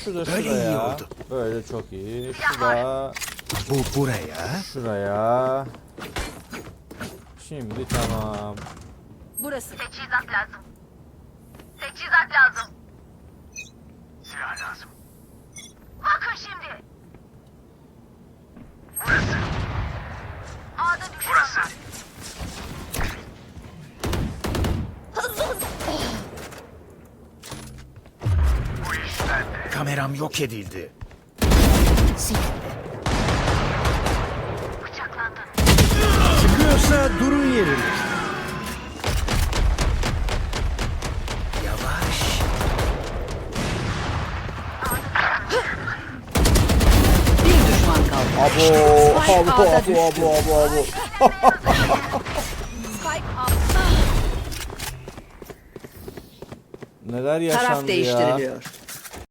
Şu da Böyle iyi şuraya. oldu. Böyle çok iyi. Şu da Bu buraya. şuraya. Şimdi tamam. Burası. Teçhizat lazım. Teçhizat lazım. Silah lazım. Bakın şimdi. Burası. A'da düşman burası. Var. Bu iş bende. Kameram yok edildi. Bıçaklandın. Çıkıyorsa durun yerine. Yavaş. Bir düşman kaldı. Abo. Spike altta. Neler yaşandı Taraf ya. değiştiriliyor.